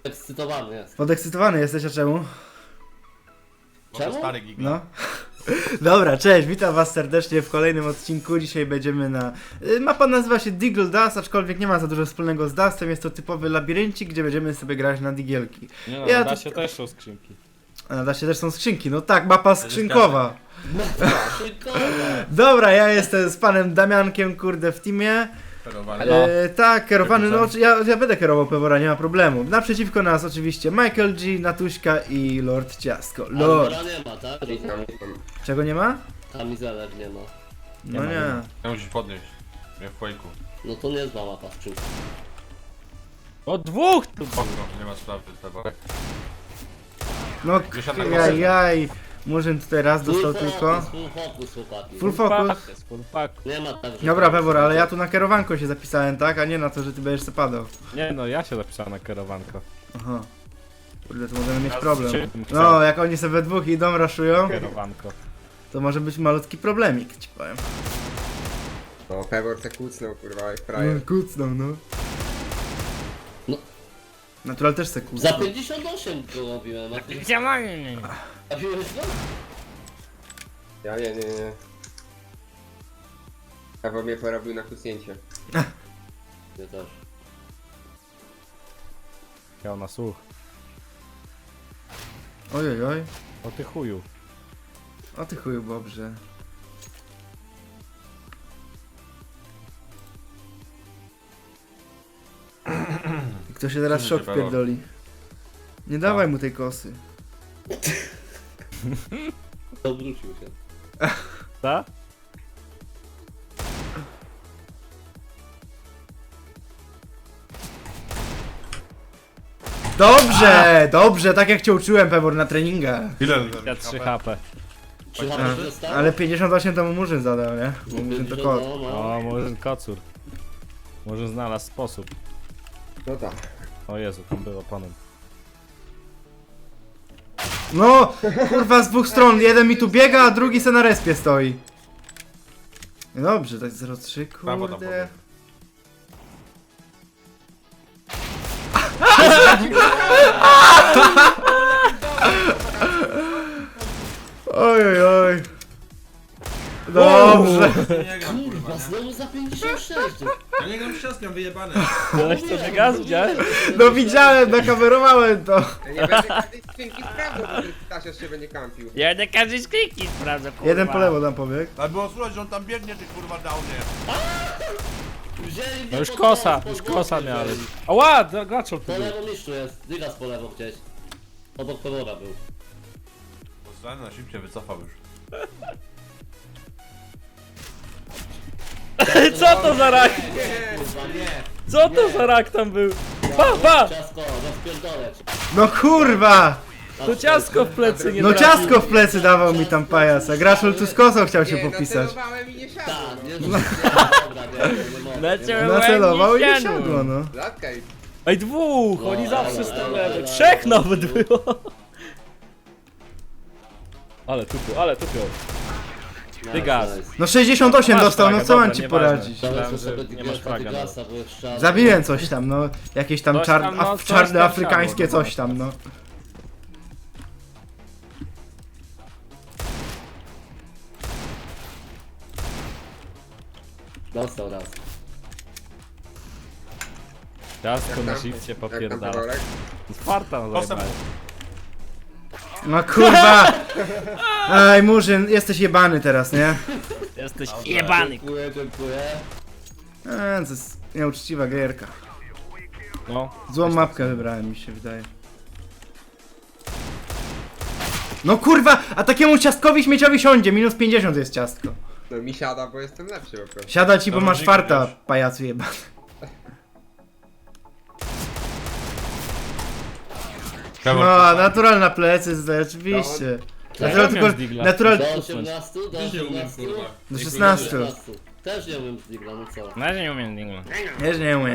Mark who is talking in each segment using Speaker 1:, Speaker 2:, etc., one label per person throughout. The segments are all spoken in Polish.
Speaker 1: Ekscytowany jest.
Speaker 2: Podekscytowany jesteś, a czemu?
Speaker 3: Bo to
Speaker 1: Czemu?
Speaker 3: stary giga.
Speaker 2: No. Dobra, cześć, witam was serdecznie w kolejnym odcinku. Dzisiaj będziemy na... Mapa nazywa się Diggle Dust, aczkolwiek nie ma za dużo wspólnego z Dustem. Jest to typowy labiryncik, gdzie będziemy sobie grać na digielki.
Speaker 4: Nie no,
Speaker 2: Ja
Speaker 4: da
Speaker 2: tu-
Speaker 4: się też są skrzynki.
Speaker 2: A na Daście też są skrzynki, no tak, mapa skrzynkowa.
Speaker 1: Szybkowa.
Speaker 2: Dobra, ja jestem z panem Damiankiem, kurde, w teamie.
Speaker 3: Operowany.
Speaker 4: No.
Speaker 2: Tak, kierowany, no
Speaker 3: Jakim
Speaker 2: ja będę kierował Pewora, nie ma problemu. Naprzeciwko nas oczywiście Michael G, Natuśka i Lord Ciastko. Lord.
Speaker 1: Albora nie ma, tak?
Speaker 2: Czego nie ma?
Speaker 1: Kamizelek nie ma.
Speaker 2: No
Speaker 4: ma, nie
Speaker 2: nie.
Speaker 4: ma.
Speaker 3: Ja musisz podnieść. Jak w Quake'u.
Speaker 1: No to nie zła mapa skrzynka.
Speaker 4: O dwóch tu!
Speaker 3: Spoko, nie ma sprawy, Peworek.
Speaker 2: No
Speaker 3: Dziesiąta
Speaker 2: jaj, Murzyn tutaj raz dostał tylko.
Speaker 1: Full focus, chłopaki.
Speaker 2: Full focus.
Speaker 4: Full fuck.
Speaker 1: Nie ma tak, że...
Speaker 2: Dobra, Pewor, ale ja tu na kierowanko się zapisałem, tak? A nie na to, że ty będziesz se padał.
Speaker 4: Nie no, ja się zapisałem na kierowanko.
Speaker 2: Aha. Kurde, to możemy mieć
Speaker 3: Ja
Speaker 2: problem.
Speaker 4: z czym
Speaker 2: No,
Speaker 4: chcę?
Speaker 2: jak oni sobie we dwóch idą, raszują,
Speaker 4: Kierowanko.
Speaker 2: to może być malutki problemik, ci powiem.
Speaker 5: No, Pewor se kucnął, kurwa, jak frajer.
Speaker 2: No, kucną, no.
Speaker 1: No.
Speaker 2: Natural też se
Speaker 1: Za
Speaker 2: kucnął.
Speaker 1: 58 go robiłem, a ty... Trafiłeś go?
Speaker 5: Ja nie. Pewor mnie porobił na kucnięcie.
Speaker 1: Nie też.
Speaker 4: Miał na słuch.
Speaker 2: Ojej, oj.
Speaker 4: O ty chuju.
Speaker 2: O ty chuju, Bobrze. I kto się teraz
Speaker 3: Cóż,
Speaker 2: szok
Speaker 3: że Pewor.
Speaker 2: wpierdoli? Nie dawaj mu tej kosy.
Speaker 1: To wrócił się.
Speaker 4: Ta?
Speaker 2: Dobrze, dobrze, tak jak cię uczyłem, Pewor, na treningach.
Speaker 3: Ile?
Speaker 4: Ja 3 HP.
Speaker 1: Czy
Speaker 2: A,
Speaker 1: HP dostał?
Speaker 2: ale 58 to mu Murzyn zadał, nie? Bo Murzyn to kot.
Speaker 1: No, no.
Speaker 4: O, może kocur. Może znalazł sposób.
Speaker 5: No tak.
Speaker 4: O Jezu, tam był oponem.
Speaker 2: No, kurwa z dwóch stron, jeden mi tu biega, a drugi se na respie stoi. No dobrze, tak 0,3,
Speaker 3: Brawo, tam
Speaker 2: kurde. Oj, oj, oj. Dobrze.
Speaker 3: Nie gram, kurwa,
Speaker 1: Kurwa,
Speaker 3: nie?
Speaker 1: znowu za 56.
Speaker 3: Ja nie gram ściaskiem, wyjebany.
Speaker 4: Ktoś to nie gaz widziałeś?
Speaker 2: No widziałem, nakamerowałem to.
Speaker 5: Ja nie będę każdej skrzynki sprawdzał, bo ten Stasios się będzie kampił.
Speaker 6: Ja na każdej skrzynki sprawdzę, kurwa.
Speaker 2: Jeden po lewo tam pobiegł.
Speaker 3: Ale było słuchać, że on tam biegnie, ty kurwa downie.
Speaker 1: Wzięli mnie
Speaker 4: No już
Speaker 1: pod
Speaker 4: kosa,
Speaker 1: nos,
Speaker 4: już
Speaker 1: pod
Speaker 4: kosa
Speaker 1: górkę
Speaker 4: miałem.
Speaker 1: wzięli.
Speaker 4: Ała, graczol tu
Speaker 1: Po
Speaker 4: był.
Speaker 1: lewo mistrzu jest. Dygas po lewo gdzieś. Obok Pewora był.
Speaker 3: Poznany na szybcie wycofał już.
Speaker 4: Co to za rak?
Speaker 1: Kurwa, nie.
Speaker 4: Co to za rak tam był? Pa!
Speaker 1: Ciasko, rozpierdolę cię.
Speaker 2: No kurwa!
Speaker 4: To ciasko w plecy nie
Speaker 2: No
Speaker 4: trafił.
Speaker 2: ciastko w plecy dawał mi tam pajac, a Graszol tu z kosą chciał się
Speaker 5: Nie,
Speaker 2: popisać.
Speaker 5: nacelowałem i nie siadło,
Speaker 1: Tak, nie,
Speaker 5: no.
Speaker 1: dobra, nie mogę.
Speaker 6: Nacelował.
Speaker 2: Nacelował i nie
Speaker 6: Siadło.
Speaker 2: siadło, no.
Speaker 5: Zatkaj.
Speaker 4: Ej, dwóch!
Speaker 1: No,
Speaker 4: Oni zawsze
Speaker 1: ale,
Speaker 4: stawiają.
Speaker 1: ale,
Speaker 4: 3
Speaker 1: ale.
Speaker 4: nawet było! Ale tupią.
Speaker 1: Nice,
Speaker 4: Dygas.
Speaker 1: nice.
Speaker 2: No 68
Speaker 4: Masz
Speaker 2: dostał, no
Speaker 4: flagę,
Speaker 2: co mam
Speaker 4: dobra,
Speaker 2: ci
Speaker 4: nieważne.
Speaker 2: poradzić?
Speaker 1: Dałem
Speaker 4: Myślałem,
Speaker 1: sobie
Speaker 4: że nie masz
Speaker 1: Dygasa,
Speaker 4: flaga,
Speaker 1: Dygasa, bo jest czarny.
Speaker 2: Zabiłem coś tam, no. Jakieś tam
Speaker 4: Coś tam, no, coś
Speaker 2: czarne
Speaker 4: tam
Speaker 2: afrykańskie
Speaker 4: siadło, no.
Speaker 2: coś tam, no.
Speaker 1: Dostał raz.
Speaker 4: Ciastko na
Speaker 5: tam?
Speaker 4: shifcie
Speaker 5: Jak tam
Speaker 4: popierdala.
Speaker 5: Peworek?
Speaker 4: Sparta no
Speaker 3: Postęp.
Speaker 4: zajebałem.
Speaker 2: No kurwa! Ej, Murzyn, jesteś jebany teraz, nie?
Speaker 6: Jesteś jebany.
Speaker 1: Dziękuję.
Speaker 2: To jest nieuczciwa gierka.
Speaker 4: No.
Speaker 2: Złą mapkę wybrałem, mi się wydaje. No kurwa, a takiemu ciastkowi śmieciowi siądzie, minus 50 jest ciastko.
Speaker 5: No mi siada, bo jestem lepszy po prostu.
Speaker 2: Siada ci, bo
Speaker 3: Dobra,
Speaker 2: masz
Speaker 3: dzięki,
Speaker 2: farta,
Speaker 3: wiesz.
Speaker 2: pajacu jebany.
Speaker 3: Pewor,
Speaker 2: No, natural na plecy, oczywiście. Natural,
Speaker 4: Ja
Speaker 2: tylko,
Speaker 4: miałem digla.
Speaker 2: natural
Speaker 1: Do 18? Do
Speaker 3: Też nie umiem,
Speaker 1: 18?
Speaker 3: kurwa.
Speaker 2: do 16.
Speaker 1: Też nie umiem z Digla, no co?
Speaker 6: Na razie nie umiem digla.
Speaker 2: Wiesz, nie umiem.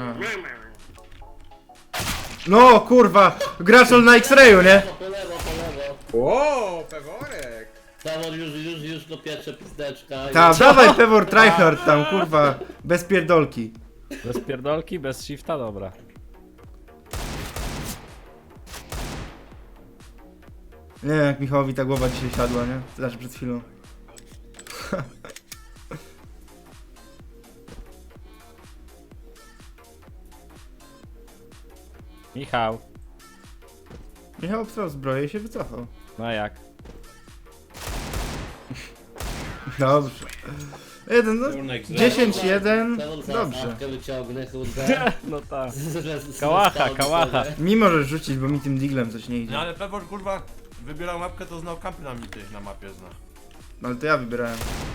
Speaker 2: No kurwa, graczol na X-rayu, nie?
Speaker 1: Po lewo.
Speaker 5: Ło, Peworek!
Speaker 1: Tawor już go piecze pizdeczka.
Speaker 2: Tam, dawaj Pewor tryhard tam, kurwa, bez pierdolki.
Speaker 4: Bez pierdolki, bez shifta, dobra.
Speaker 2: Nie wiem jak Michałowi ta głowa dzisiaj siadła, nie? Znaczy przed chwilą.
Speaker 4: Michał.
Speaker 2: Michał obstrał zbroję i się wycofał.
Speaker 4: No jak?
Speaker 2: Dobrze. 1, no. 10-1.
Speaker 1: Dobrze.
Speaker 2: Dobrze.
Speaker 1: Wyciągnę, kurde.
Speaker 4: No tak.
Speaker 1: Z
Speaker 4: Kałacha, kałacha.
Speaker 2: Mi możesz rzucić, bo mi tym diglem coś nie
Speaker 3: No
Speaker 2: idzie.
Speaker 3: ale Pewor kurwa wybierał mapkę, to znał kampy na mity na mapie zna.
Speaker 2: Ale to ja wybierałem.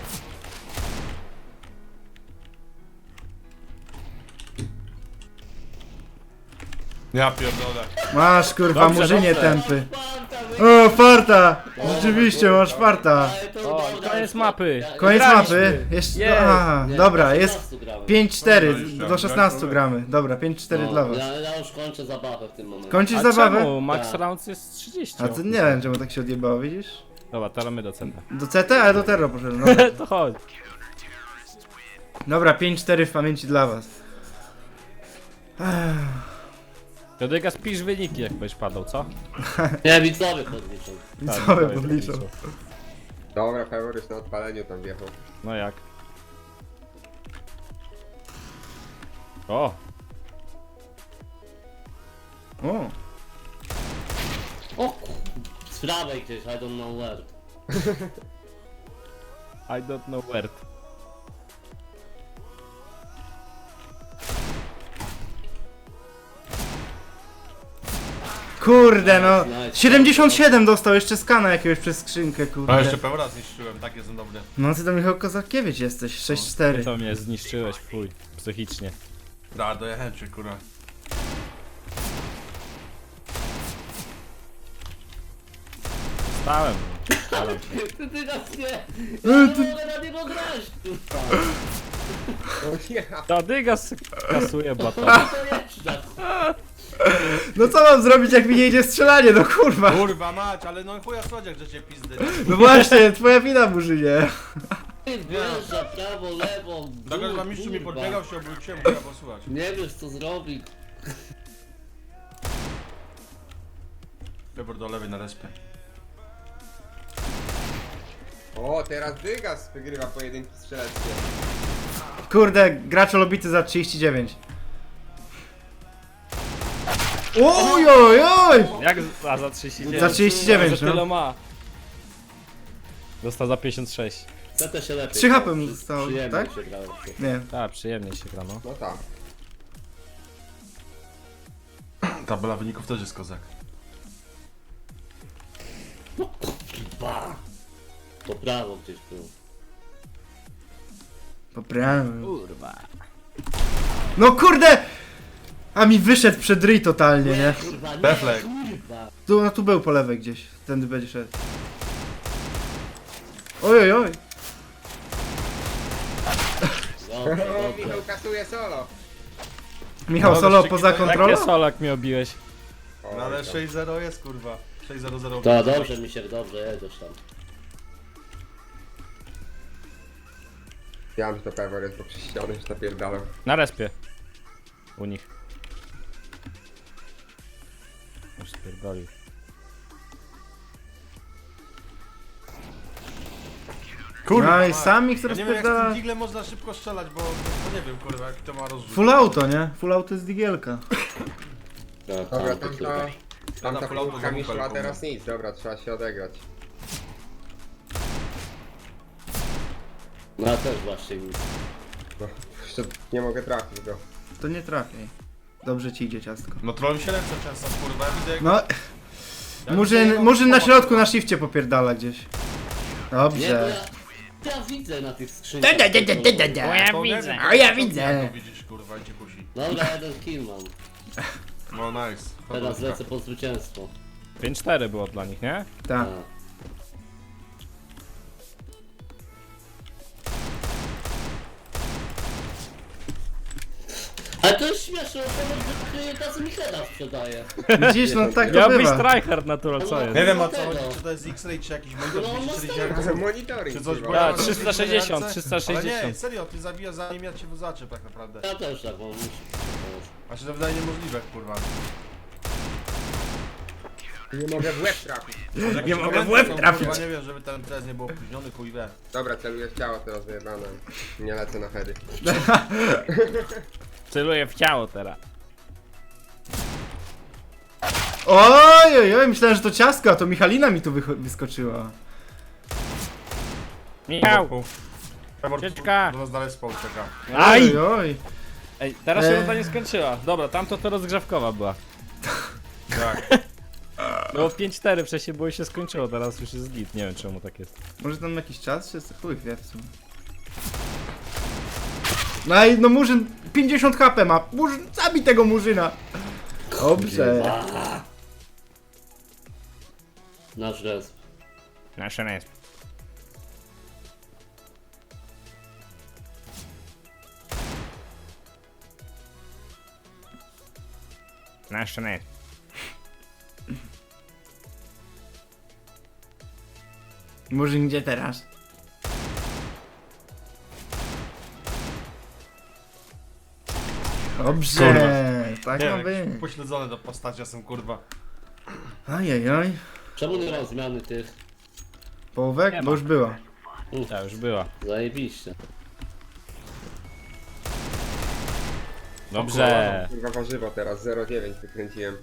Speaker 3: Ja pierdolę.
Speaker 2: Masz kurwa
Speaker 4: Dobrze,
Speaker 2: murzynie
Speaker 4: dobrze.
Speaker 2: tępy. O, farta! Rzeczywiście, masz farta.
Speaker 4: O, koniec mapy.
Speaker 2: Koniec
Speaker 4: Wygraliśmy.
Speaker 2: mapy. Jeszcze.
Speaker 4: Jest.
Speaker 2: Aha, dobra, jest 5-4. Do 16 gramy. Dobra, 5-4 dla was.
Speaker 1: Ja już kończę zabawę w tym momencie.
Speaker 2: Kończysz
Speaker 4: A
Speaker 2: zabawę?
Speaker 4: czemu? Max
Speaker 1: Tak.
Speaker 4: rounds jest 30.
Speaker 2: A to nie wiem czemu tak się odjebało, widzisz?
Speaker 4: Dobra, teraz my do centra.
Speaker 2: Do CT, ale do Terro poszedłem. Dobra,
Speaker 4: To chodź.
Speaker 2: dobra 5-4 w pamięci dla was.
Speaker 4: Jodyga, spisz wyniki jak będziesz padał, co?
Speaker 1: Nie, widzowie podliczą.
Speaker 2: I
Speaker 4: Tak,
Speaker 2: co by
Speaker 4: widzowie
Speaker 2: podliczą?
Speaker 4: podliczą.
Speaker 5: Dobra, Pewor już na odpaleniu tam wjechał.
Speaker 4: No jak? O!
Speaker 2: O,
Speaker 1: O z prawej gdzieś, I don't know where.
Speaker 4: I don't know where.
Speaker 2: kurde no.
Speaker 1: Nice.
Speaker 2: 77 dostał jeszcze skana jakiegoś przez skrzynkę,
Speaker 3: A jeszcze
Speaker 2: kurde.
Speaker 3: Pewora zniszczyłem, tak jestem dobry.
Speaker 2: No ty to Michał Kozakiewicz jesteś, 6-4.
Speaker 4: To mnie zniszczyłeś, fuj. Psychicznie.
Speaker 3: Da, dojechałem cię kurwa.
Speaker 4: Stałem. Stalam się.
Speaker 1: Ty nas nie. Ja nie mogę na niego grać, kurwa.
Speaker 5: O ja!
Speaker 4: Jodyga kasuje baton.
Speaker 1: To jeszcze.
Speaker 2: No co mam zrobić jak mi nie idzie strzelanie, no kurwa.
Speaker 3: Kurwa mać, ale no chuja słodziak, że cię pizdy.
Speaker 2: No właśnie, twoja wina Murzynie.
Speaker 1: Wjeżdża prawo, lewo.
Speaker 3: Dlatego
Speaker 1: dół,
Speaker 3: że mistrzu mi
Speaker 1: kurwa.
Speaker 3: podbiegał, się obróciłem, musiał posłuchać.
Speaker 1: Nie wiesz co zrobić.
Speaker 3: Pewor do lewej na respie.
Speaker 5: O, teraz Dygas wygrywa pojedynki strzeleckie.
Speaker 2: Kurde, gracz lobity za 39. Oj, oj, oj!
Speaker 4: Jak a za 39?
Speaker 2: Za 39,
Speaker 4: Za tyle
Speaker 2: no.
Speaker 4: ma. Dostał za 56.
Speaker 1: CT się lepiej.
Speaker 2: 3 HP mu zostało,
Speaker 1: Przyjemnie
Speaker 2: tak?
Speaker 1: się grało.
Speaker 2: Nie.
Speaker 4: Tak, przyjemnie się gra, no.
Speaker 5: No tak.
Speaker 3: Tabela wyników też jest kozak.
Speaker 1: Ba. Po prawo gdzieś był.
Speaker 2: Poprawiam.
Speaker 4: Kurwa.
Speaker 2: No kurde! A mi wyszedł przed ryj totalnie, nie?
Speaker 1: Kurwa, nie,
Speaker 3: Deflek.
Speaker 1: kurwa.
Speaker 2: Tu, no tu był po lewej gdzieś. Tędy będzie szedł. Oj, oj, oj.
Speaker 1: Dobrze,
Speaker 5: O,
Speaker 1: dobrze.
Speaker 5: Michał kasuje solo.
Speaker 2: Michał
Speaker 3: No,
Speaker 2: solo
Speaker 3: wyścigi
Speaker 2: poza
Speaker 3: to-
Speaker 2: kontrolą?
Speaker 4: Jakie solak mi obiłeś?
Speaker 5: O,
Speaker 3: No ale
Speaker 5: tam.
Speaker 3: 6-0 jest kurwa. 6-0-0.
Speaker 1: To dobrze mi się, dobrze jedziesz tam.
Speaker 5: Ja mam, że to Pewor jest, bo przez ścianę już napierdalał.
Speaker 4: Na respie. U nich. Już spierdolił.
Speaker 3: Kurwa,
Speaker 2: No i
Speaker 3: mać.
Speaker 2: sam ich
Speaker 3: Ja nie wiem jak z
Speaker 2: rozpierdala.
Speaker 3: tym diglem można szybko strzelać, bo nie wiem kurwa jak to ma rozrzut.
Speaker 2: Full auto, nie? Full auto jest digielka.
Speaker 1: No,
Speaker 5: Dobra,
Speaker 1: tam,
Speaker 5: tamta
Speaker 3: full auto
Speaker 5: kulka mi
Speaker 3: za
Speaker 5: szła,
Speaker 3: bupelką.
Speaker 5: teraz nic. Dobra, trzeba się odegrać.
Speaker 1: No ja też właśnie nic.
Speaker 5: No, jeszcze nie mogę trafić go.
Speaker 2: To nie trafiaj. Dobrze ci idzie ciastko.
Speaker 3: No troll mi się ręce często kurwa, ja widzę jak...
Speaker 2: No,
Speaker 3: ja widzę
Speaker 2: Murzyn,
Speaker 3: jego
Speaker 2: Murzyn na
Speaker 3: pomoc,
Speaker 2: środku
Speaker 3: kurwa.
Speaker 2: na shifcie popierdala gdzieś.
Speaker 1: Nie, bo
Speaker 2: Dobrze.
Speaker 1: ja widzę na tych skrzynkach.
Speaker 4: Bo ja
Speaker 3: To nie
Speaker 4: widzę.
Speaker 3: wiem,
Speaker 2: A ja
Speaker 3: to
Speaker 2: widzę.
Speaker 3: jak to widzisz kurwa i cię kusi.
Speaker 1: Dobra, jeden kill mam.
Speaker 3: No nice.
Speaker 1: Teraz lecę po zwycięstwo.
Speaker 4: 5-4 było dla nich, nie?
Speaker 2: Tak.
Speaker 1: A. Ale to jest śmieszne, bo kasy mi heada sprzedaje.
Speaker 2: Widzisz, no tak to
Speaker 4: Miał być
Speaker 2: bywa.
Speaker 4: tryhard natural, co jest?
Speaker 3: Nie wiem o co
Speaker 1: Tego.
Speaker 3: chodzi, czy to jest X-Ray, czy jakiś monitor
Speaker 1: No,
Speaker 3: 240
Speaker 5: Ale monitoring,
Speaker 3: czy coś,
Speaker 5: kurwa.
Speaker 3: bo ja
Speaker 4: Tak,
Speaker 3: mam
Speaker 4: 360,
Speaker 3: ręce,
Speaker 4: 360.
Speaker 3: Ale nie, serio, ty zabijasz zanim ja cię zaczę tak naprawdę.
Speaker 1: Ja też tak mam.
Speaker 3: A się to wydaje niemożliwe, kurwa.
Speaker 5: Nie mogę w łeb trafić.
Speaker 2: Nie mogę w łeb trafić.
Speaker 3: Kurwa, nie wiem, żeby ten test nie był opóźniony, chuj wie.
Speaker 5: Dobra, celuję w ciało teraz wyjebane. Nie lecę na heady.
Speaker 6: Celuję w ciało teraz.
Speaker 2: Oj, oj, oj, myślałem, że to ciastko, a to Michalina mi tu wyskoczyła.
Speaker 6: Michał!
Speaker 3: Pebor,
Speaker 6: Ucieczka.
Speaker 3: do nas dalej spał czeka.
Speaker 6: Aj!
Speaker 2: Oj, oj.
Speaker 6: Ej, teraz się runda nie skończyła. Dobra, tamto to rozgrzewkowa była.
Speaker 3: Tak.
Speaker 6: No 5-4 wcześniej było i się skończyło, teraz już jest git. Nie wiem czemu tak jest.
Speaker 2: Może tam jakiś czas się chuj wie w sumie. No i no Murzyn 50 HP ma. Murzyn, zabij tego Murzyna. Dobrze.
Speaker 1: Nasz resp.
Speaker 6: Nasze resp. Nasze resp.
Speaker 2: Murzyn gdzie teraz? Dobrze. Tak
Speaker 3: Nie
Speaker 2: ma
Speaker 3: wiem,
Speaker 2: być.
Speaker 3: pośledzone do postaci, ja jestem kurwa.
Speaker 2: Ajajaj.
Speaker 1: Czemu nie ma zmiany tych?
Speaker 2: Połówek?
Speaker 6: Nie
Speaker 2: Bo
Speaker 6: ma.
Speaker 2: już była.
Speaker 6: Ta już była.
Speaker 1: Zajebiście.
Speaker 6: Dobrze.
Speaker 5: Kurwa warzywo teraz, 0,9 wykręciłem.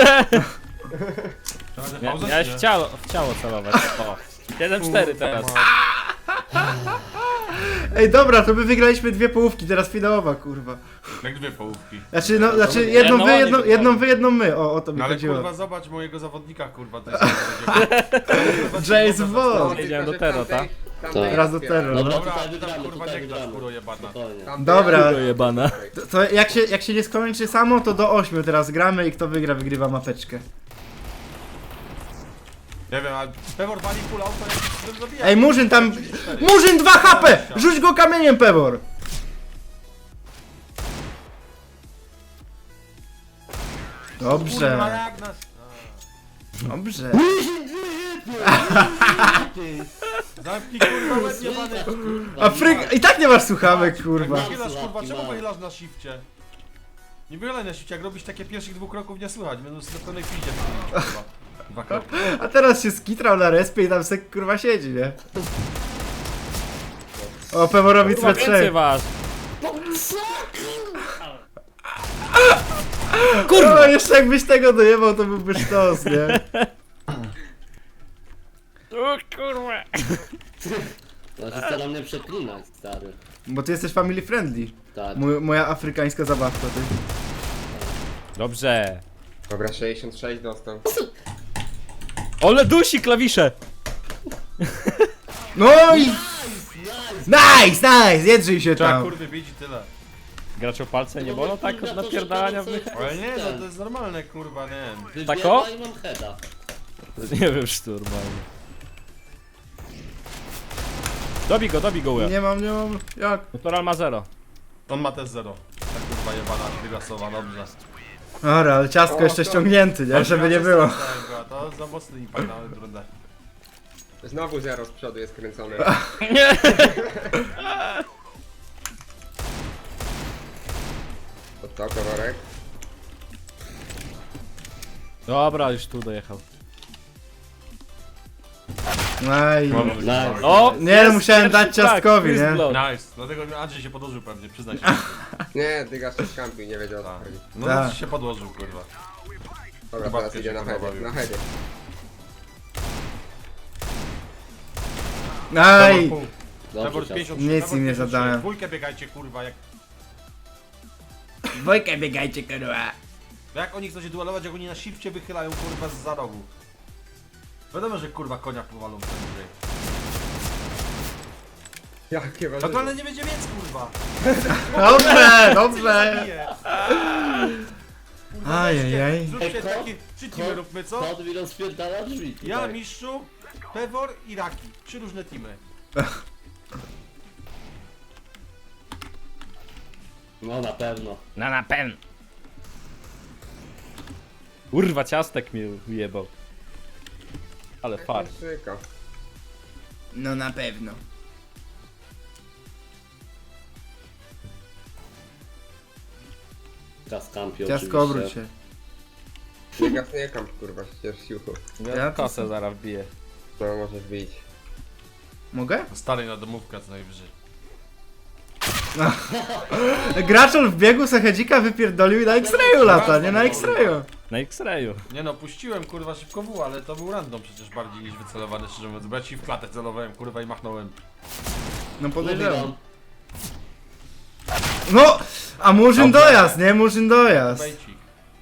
Speaker 6: Ja w ciało celować. O. 7-4 teraz.
Speaker 2: Ej, dobra, to my wygraliśmy dwie połówki, teraz finałowa, kurwa.
Speaker 3: Jak dwie połówki.
Speaker 2: Znaczy, no, znaczy jedną wy,
Speaker 6: jedno
Speaker 2: jedną
Speaker 6: oni
Speaker 2: wy, jedną my. O to mi
Speaker 3: No ale
Speaker 2: chodziło.
Speaker 3: kurwa zobacz mojego zawodnika kurwa, to jest
Speaker 2: James Bond.
Speaker 6: Jedziemy do Tero, tak?
Speaker 2: Raz do Tero.
Speaker 1: Dobra,
Speaker 3: Dobra,
Speaker 1: tutaj
Speaker 3: ty tam
Speaker 1: wygramy,
Speaker 3: kurwa
Speaker 1: tutaj
Speaker 3: nie grasz,
Speaker 1: wygramy.
Speaker 3: kuro jebana.
Speaker 1: Spokojnie.
Speaker 2: Dobra.
Speaker 6: Jebana.
Speaker 2: To jak się nie skończy samo, to do 8 teraz gramy i kto wygra, wygrywa mapeczkę.
Speaker 3: Nie wiem, ale Pebor wali full auto, jak się zabija.
Speaker 2: Ej, Murzyn tam... Murzyn 2 HP! Rzuć go kamieniem, Pebor!
Speaker 3: Kurwa,
Speaker 2: Dobrze,
Speaker 3: jak nas...
Speaker 2: dobrze.
Speaker 3: Zamknij kurwa łeb jebany.
Speaker 2: Afryka... I tak nie masz słuchawek, kurwa.
Speaker 3: Wychylasz kurwa, czemu
Speaker 1: Mam.
Speaker 3: wychylasz na shifcie? Nie wychylaj na shifcie, jak robisz takie pierwszych 2 kroków nie słychać, będą z pełnej pizdzie kurwa. 2 kroki.
Speaker 2: A teraz się skitrał na respie i tam se kurwa siedzi, nie? O, Peborowi
Speaker 6: Kurwa, więcej
Speaker 2: C3.
Speaker 6: was.
Speaker 2: Kurwa, jeszcze jakbyś tego dojebał, to byłby sztos, nie?
Speaker 6: O kurwa.
Speaker 1: Znaczy staram mnie przeklinać, stary.
Speaker 2: Bo ty jesteś family friendly.
Speaker 1: Tak.
Speaker 2: Moja afrykańska zabawka, ty.
Speaker 6: Dobrze.
Speaker 5: Dobra, 66 dostał.
Speaker 6: Ole dusi klawisze.
Speaker 2: No i... Nice, jedrzyj się
Speaker 3: Trzeba
Speaker 2: tam.
Speaker 3: kurwy bić i tyle.
Speaker 6: Gracz o palce nie bolą tak od napierdalania w nich?
Speaker 3: Ale nie, no to jest normalne kurwa, nie wiem.
Speaker 1: Wybiega
Speaker 6: Tak o?
Speaker 1: i mam heada.
Speaker 6: Nie wiem, szturmalnie. Dobij go, Will.
Speaker 2: Nie mam, jak?
Speaker 6: Natural ma 0.
Speaker 3: On ma też 0. Ta kurwa jebana, wygasowa, dobrze.
Speaker 2: Dobra, ale ciastko
Speaker 5: O,
Speaker 2: jeszcze
Speaker 5: to-
Speaker 2: ściągnięty, nie? Żeby nie było.
Speaker 3: To za mocny impact na rundę.
Speaker 5: Znowu 0 z przodu jest kręcone.
Speaker 6: Nie.
Speaker 5: To co, kolorek?
Speaker 6: Dobra, już tu dojechał.
Speaker 2: Aj.
Speaker 1: Nice.
Speaker 6: O!
Speaker 2: Nie, no
Speaker 6: jest
Speaker 2: musiałem
Speaker 6: pierwszy
Speaker 2: dać
Speaker 6: flag,
Speaker 2: ciastkowi,
Speaker 6: first
Speaker 2: nie?
Speaker 6: blood.
Speaker 3: Nice, dlatego Andrzej się podłożył pewnie, przyznaj się.
Speaker 5: Nie, dyga się skampił, nie wiedział o co
Speaker 3: Tak.
Speaker 5: chodzi.
Speaker 3: No
Speaker 2: Tak.
Speaker 3: się podłożył kurwa.
Speaker 5: Dobra,
Speaker 3: Chyba
Speaker 5: teraz
Speaker 3: się
Speaker 5: idzie na
Speaker 3: kurwa
Speaker 5: heady,
Speaker 3: bawił.
Speaker 5: na heady.
Speaker 2: Aj.
Speaker 3: Pebor
Speaker 1: Dobrze,
Speaker 3: 53,
Speaker 2: Nic
Speaker 3: Pebor
Speaker 2: im nie
Speaker 3: 53.
Speaker 2: zadałem.
Speaker 3: Dwójkę biegajcie kurwa, jak...
Speaker 2: Dwojkę biegajcie, kurwa.
Speaker 3: Jak oni chcą się duelować, jak oni na shifcie wychylają kurwa z za rogu. Wiadomo, że kurwa konia powalą prędzej.
Speaker 5: Jakie
Speaker 3: No to
Speaker 5: warzywo.
Speaker 3: ale nie będzie więc kurwa.
Speaker 2: Dobrze, dobrze.
Speaker 3: Zabiję. Kurwa,
Speaker 2: Ajajaj.
Speaker 3: weźcie, Zróbcie
Speaker 1: Ej,
Speaker 3: taki... 3 teamy róbmy, co?
Speaker 1: Kod mi rozpierdala drzwi tutaj.
Speaker 3: Ja, Mistrzu, Pewor i Raki. 3 różne teamy.
Speaker 1: No na pewno.
Speaker 6: No na pewno. Kurwa, ciastek mnie ujebał. Ale fart.
Speaker 5: Szyka.
Speaker 2: No na pewno.
Speaker 1: Kaskampi
Speaker 2: Ciastko, obróć
Speaker 1: oczywiście.
Speaker 2: się.
Speaker 5: Nie kamp, kurwa, ścież siłą.
Speaker 2: Ja
Speaker 6: Ja
Speaker 2: to
Speaker 6: kosę zaraz wbiję.
Speaker 5: No, możesz wyjść.
Speaker 2: Mogę?
Speaker 3: Stary na domówkę co najwyżej.
Speaker 2: Graczol w biegu Sahedzika wypierdolił i na X-rayu lata, nie na X-rayu.
Speaker 6: Na X-rayu.
Speaker 3: Nie no, puściłem kurwa szybko W, ale to był random przecież bardziej niż wycelowany, szczerze mówiąc. Bo ja ci w klatę celowałem kurwa i machnąłem.
Speaker 2: No
Speaker 1: Mówię
Speaker 2: podejrzewam.
Speaker 1: wam.
Speaker 2: No! A Murzyn dojazd, nie? Murzyn dojazd.
Speaker 3: Bejcik.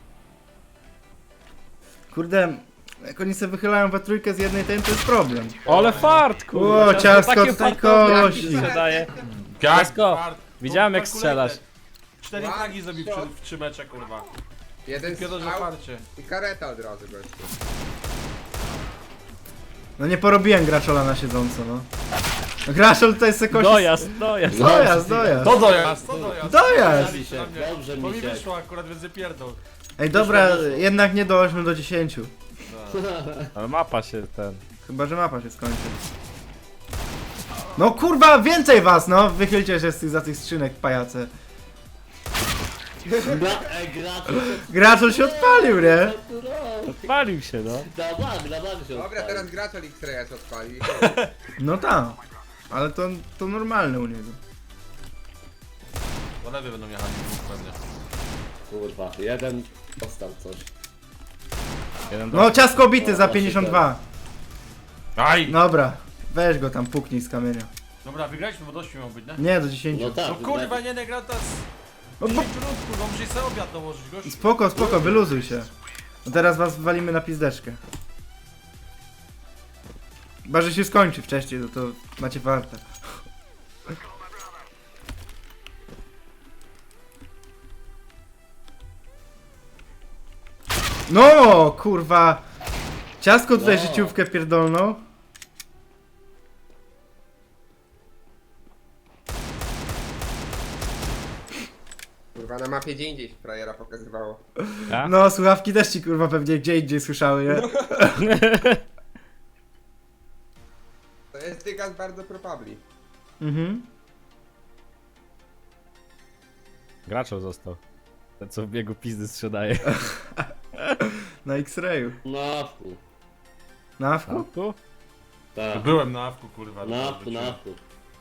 Speaker 2: Kurde, jak oni sobie wychylają we trójkę z jednej ten, to jest problem.
Speaker 6: Ale fart, kurwa.
Speaker 2: O, ciastko
Speaker 6: Takie
Speaker 2: tutaj
Speaker 6: fartownie
Speaker 2: kości.
Speaker 6: się daje.
Speaker 3: Jak
Speaker 6: Ciasko,
Speaker 3: fart.
Speaker 6: widziałem, jak
Speaker 3: Calculated.
Speaker 6: strzelasz.
Speaker 3: 4
Speaker 5: What?
Speaker 3: fragi zrobił w 3 mecze kurwa.
Speaker 5: Jeden
Speaker 3: Piotr, że
Speaker 5: strzał
Speaker 3: farcie.
Speaker 5: i kareta od razu, gościu.
Speaker 2: No nie porobiłem Graczola na siedząco, no. Graczol tutaj se kości...
Speaker 6: Dojazd, dojazd.
Speaker 2: Dojazd, dojazd.
Speaker 3: To dojazd, to dojazd.
Speaker 2: Dojazd!
Speaker 1: Misiek, dobrze,
Speaker 3: Bo mi
Speaker 1: Misiek.
Speaker 3: wyszło akurat, więc pierdol.
Speaker 2: Ej, dobra, jednak nie do 8 do 10.
Speaker 6: Ale mapa się ten...
Speaker 2: Chyba, że mapa się skończy. No kurwa, więcej was, no! Wychylcie się za tych skrzynek, pajace.
Speaker 1: Gracze.
Speaker 2: Graczol się odpalił, nie?
Speaker 6: Odpalił się, no.
Speaker 1: Na bank się
Speaker 5: Dobra,
Speaker 1: odpalił.
Speaker 5: teraz gracz X-Raya odpali.
Speaker 2: No tak. Ale to normalne u niego.
Speaker 3: Do lewy będą jechali pewnie.
Speaker 1: Kurwa, jeden dostał coś.
Speaker 6: Jeden
Speaker 2: No, ciasko bity za 52.
Speaker 3: Aj!
Speaker 2: Dobra, weź go tam, puknij z kamienia.
Speaker 3: Dobra, wygraliśmy, bo dość miał być, nie?
Speaker 2: Nie, do 10.
Speaker 1: No tak.
Speaker 3: No kurwa, nie gra teraz.
Speaker 2: No,
Speaker 3: 10 rund, kurwa, muszę sobie obiad dołożyć, gościu.
Speaker 2: spoko, spoko, wyluzuj się. No teraz was walimy na pizdeczkę. Chyba, że się skończy wcześniej, to macie wartę. No, kurwa. Ciasko tutaj
Speaker 1: No.
Speaker 2: życiówkę pierdolną.
Speaker 5: Kurwa, na mapie gdzie indziej frajera pokazywało.
Speaker 6: A?
Speaker 2: No, słuchawki też ci kurwa pewnie gdzie indziej słyszały, nie?
Speaker 5: To jest dygas bardzo probably.
Speaker 2: Mhm.
Speaker 6: Graczol został. Ten co w biegu pizdy sprzedaje.
Speaker 2: Na X-rayu.
Speaker 1: Na wku.
Speaker 2: Na awku?
Speaker 6: Tu?
Speaker 1: Tak.
Speaker 3: Byłem na awku, kurwa.
Speaker 1: Na wku, na wku.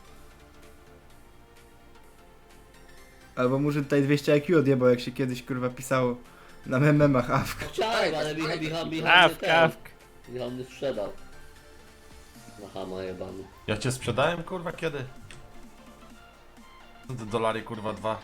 Speaker 2: Albo może tutaj 200 IQ odjebał, jak się kiedyś kurwa pisało na memach awk.
Speaker 1: Chciałem, ale Michał mnie
Speaker 6: Awk,
Speaker 1: ten.
Speaker 6: awk.
Speaker 1: Michał mnie sprzedał. Na hama jebany.
Speaker 3: Ja cię sprzedałem, kurwa, kiedy? Co te dolary, kurwa, 2?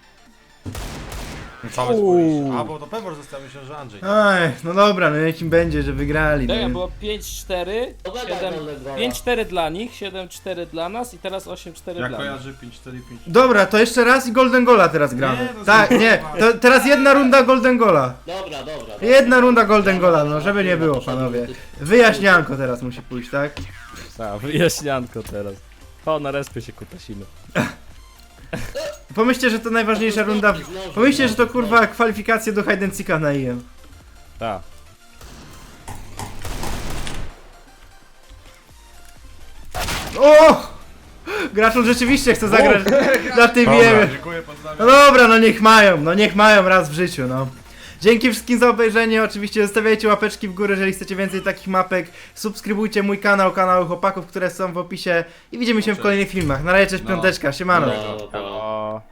Speaker 3: Całe spójrz. A, bo to Pewor został, myślę, że Andrzej.
Speaker 2: Aj, no dobra, no jakim będzie, że wygrali.
Speaker 7: Tak,
Speaker 2: No.
Speaker 7: było 5-4,
Speaker 1: To mega
Speaker 7: 7
Speaker 1: wolne gola.
Speaker 7: 5-4 dla nich, 7-4 dla nas i teraz 8-4
Speaker 3: Ja
Speaker 7: dla
Speaker 3: kojarzę 5-4-5.
Speaker 2: Dobra, to jeszcze raz i Golden Gola teraz gramy.
Speaker 3: Nie, no
Speaker 2: Tak,
Speaker 3: zobacz.
Speaker 2: nie, to teraz jedna runda Golden Gola.
Speaker 1: Dobra.
Speaker 2: Jedna runda Golden Gola, no żeby nie było, panowie. Wyjaśnianko teraz musi pójść, tak?
Speaker 6: Tak, wyjaśnianko teraz. O, na respie się kutasimy.
Speaker 2: Pomyślcie, że to najważniejsza runda. Pomyślcie, że to kurwa kwalifikacje do Hide and Seeka na IM.
Speaker 6: Tak.
Speaker 2: O! Graczol rzeczywiście chce zagrać na tym
Speaker 3: Dobra,
Speaker 2: IM.
Speaker 3: dziękuję,
Speaker 2: No
Speaker 3: pozdrawiam.
Speaker 2: dobra, no niech mają raz w życiu, no. Dzięki wszystkim za obejrzenie, oczywiście zostawiajcie łapeczki w górę, jeżeli chcecie więcej takich mapek. Subskrybujcie mój kanał, kanały chłopaków, które są w opisie i widzimy się w kolejnych filmach. Na razie, cześć,
Speaker 3: No.
Speaker 2: piąteczka, siemano.
Speaker 1: No, no.
Speaker 6: O.